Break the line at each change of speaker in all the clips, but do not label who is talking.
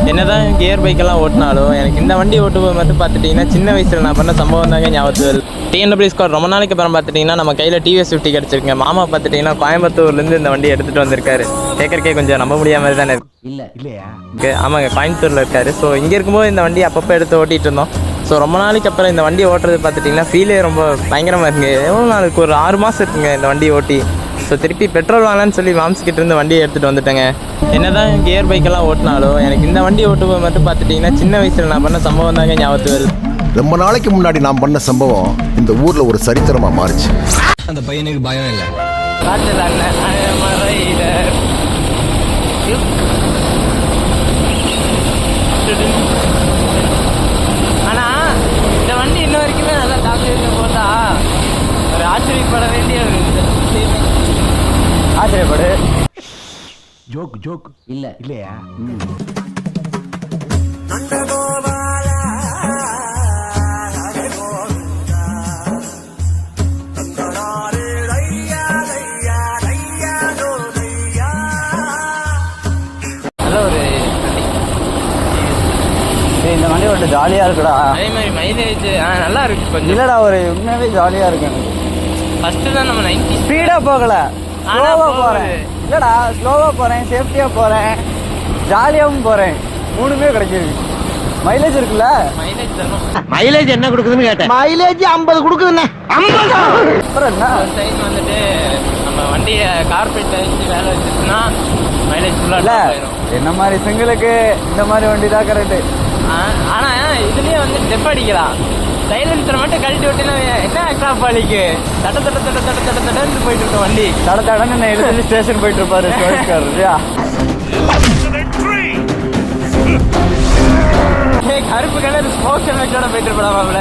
என்னதான் கியர் பைக்கெல்லாம் ஓட்டினாலும் எனக்கு இந்த வண்டி ஓட்டும்போது மட்டும் பார்த்துட்டிங்கன்னா சின்ன வயசில் நான் பண்ண சம்பவம் தாங்க ஞாபகத்து வருது. டிஎன்டபிள்யூ ஸ்கோர் ரொம்ப நாளைக்கு அப்புறம் பார்த்துட்டிங்கன்னா நம்ம கையில் டிவிஎஸ் 50 கிடச்சிருக்குங்க. மாமா பார்த்துட்டிங்கன்னா கோயம்புத்தூர்லேருந்து இந்த வண்டி எடுத்துகிட்டு வந்திருக்காரு. கேட்கறக்கே கொஞ்சம் நம்ப முடியாத மாதிரி தானே இருக்கு. ஆமாங்க, கோயம்புத்தூரில் இருக்காரு. ஸோ இங்கே இருக்கும்போது இந்த வண்டி அப்பப்போ எடுத்து ஓட்டிகிட்டு இருந்தோம். ஸோ ரொம்ப நாளைக்கு அப்புறம் இந்த வண்டி ஓட்டுறது பார்த்துட்டிங்கன்னா ஃபீலே ரொம்ப பயங்கரமாக இருக்குங்க. எவ்வளோ நாளுக்கு ஒரு 6 மாதம் இருக்குங்க இந்த வண்டி ஓட்டி. ஸோ திருப்பி பெட்ரோல் வாங்கலான்னு சொல்லி மாம்ஸ்கிட்ட இருந்து வண்டியை எடுத்துகிட்டு வந்துட்டேங்க. என்னதான் கியர் பைக்கெல்லாம் ஓட்டினாலும் எனக்கு இந்த வண்டி ஓட்டும்போது மட்டும் பார்த்துட்டிங்கன்னா சின்ன வயசில் நான் பண்ண சம்பவம் தாங்க ஞாபகத்து வருது.
ரொம்ப நாளைக்கு முன்னாடி நான் பண்ண சம்பவம் இந்த ஊர்ல ஒரு சரித்திரமா மாறிச்சு.
அந்த பையனுக்கு பயம் இல்லை.
ஆனால் இந்த வண்டி இன்ன வரைக்குமே நல்லா டாக்டர் போட்டா ஒரு ஆச்சரியப்பட வேண்டிய ஒரு ஆச்சரியப்படு.
ஜோக் இல்லையா?
இந்த வண்டி ஒரு ஜாலியாக இருக்குடா.
அதே மாதிரி மைலேஜ் நல்லா இருக்கு கொஞ்சம்.
இல்லைடா, ஒரு உண்மையாகவே ஜாலியாக இருக்கு எனக்கு.
ஃபஸ்ட்டு தான் நம்ம 90
ஸ்பீடாக போகலை, ஸ்லோவாக போகிறேன். இல்லைடா, ஸ்லோவாக போகிறேன், சேஃப்டியாக போகிறேன், ஜாலியாகவும் போகிறேன். மூணுமே கிடைச்சிருக்கு. மைலேஜ் இருக்குல்ல?
மைலேஜ் தரும்.
மைலேஜ் என்ன கொடுக்குதுன்னு கேட்டேன்.
மைலேஜ் 50 கொடுக்குதுண்ணே. 50 அப்புறம் என்ன?
ஒரு டைம் வந்துட்டு நம்ம வண்டியை கார்பெட் வச்சு வேலை வச்சுச்சுன்னா மைலேஜ்
இல்லை,
ஃபுல்லாக போயிடும்.
என்ன மாதிரி சிங்கிளுக்கு இந்த மாதிரி வண்டி தான் கரெக்டு.
ஆனால் இதுலேயே வந்து டெப் அடிக்கலாம். சைலன்சரை மட்டும் கழட்டி விட்டுனா என்ன எக்ஸ்ட்ரா பாலிக்கு தடன்னு போயிட்டு இருக்க வண்டி.
தடன்னு என்ன எழுதி ஸ்டேஷன் போயிட்டு இருப்பாரு இல்லையா?
கருப்பு கலர் ஸ்மோக் ஹெல்மெட்டோட போயிட்டு இருப்படாமாப்ல.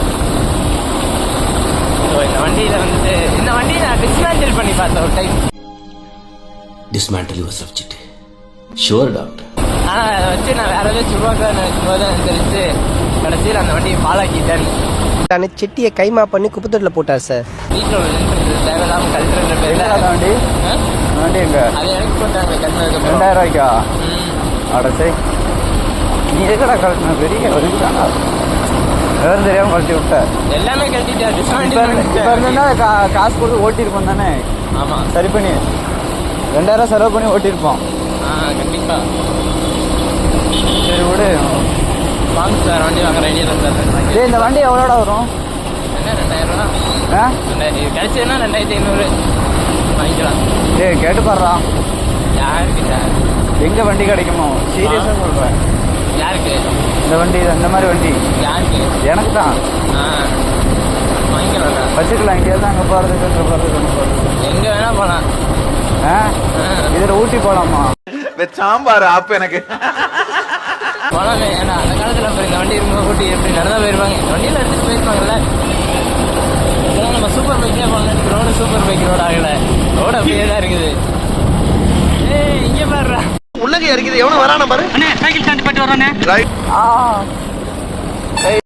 இந்த வண்டியில் வந்துட்டு இந்த வண்டியை நான் டிஸ்மேண்டில் பண்ணி பார்த்தேன் ஒரு time.
Dismantle your subject. Sure doctor.
ஆனால் அதை வச்சு நான் வேற ஏதாவது சுருவாக்கான்னு வைக்கும்போது தான் தெரிஞ்சு கடைசியில் அந்த வண்டியை பாலாக்கிட்டேன்.
செட்டியை கைமா பண்ணி குப்பத்தொட்டில் போட்டார் சார்.
வீட்டில் ஒரு தேவையில்லாமல் கல்ச்சுரல் பேரில்
அந்த வண்டி வண்டி எங்க?
அது எனக்கு போட்டாங்க கல்ச்சுரலுக்கு
2000 ரூபாய்க்கா? அடச்சே, நீ எதுக்கடா கழட்டின? பெரிய வலிக்குதானா? வேறு தெரியாமல் கழட்டி விட்ட.
எல்லாமே கழட்டிட்டா.
இப்போ இருந்தா காசு கொடுத்து ஓட்டியிருப்போம் தானே?
ஆமாம்,
சரி பண்ணி 2000 செலவு பண்ணி ஓட்டியிருப்போம்.
கண்டிப்பாக.
சரி விடு.
வாங்க சார், வண்டி வாங்குற ஐடியா இருந்தாரு.
டேய், இந்த வண்டி எவ்வளோடா வரும்?
என்ன 2000 ரூபா?
ஆ,
கிடைச்சதுன்னா 2500 வாங்கிக்கலாம்.
டேய் கேட்டு பாடுறா,
யாருக்கு சார்?
எங்கே வண்டி கிடைக்குமோ? சீரியஸாக சொல்கிறேன்.
யாருக்கு
இந்த வண்டி, இந்த மாதிரி வண்டி
யாருக்கு?
எனக்கு தான்.
வாங்கிக்கலாம்.
வச்சுக்கலாம். இங்கேருந்து அங்கே போகிறதுக்கு அங்கே போகிறதுக்கு
எங்கே வேணா போகலாம்.
இதில் ஊட்டி போகலாமா?
சாம்பார் ஆப்பு எனக்கு
போகலாமே. ஏன்னா அந்த காலத்தில் அப்புறம் இந்த வண்டி இருக்கும்போது ஊட்டி எப்படி நடந்தா போயிருவாங்க. இந்த வண்டியில் எடுத்துகிட்டு போயிருப்பாங்கல்ல. இதெல்லாம் நம்ம சூப்பர் பைக்லேயே போகலாம். ரோடு சூப்பர் பைக் ரோடு ஆகலை. ரோடு அப்படியே தான் இருக்குது. இங்கே பாடுறா
உள்ளங்க இருக்குது. எவனும் வரான பாரு.
சைக்கிள் ஸ்டாண்ட் போயிட்டு வரானே.
ஆ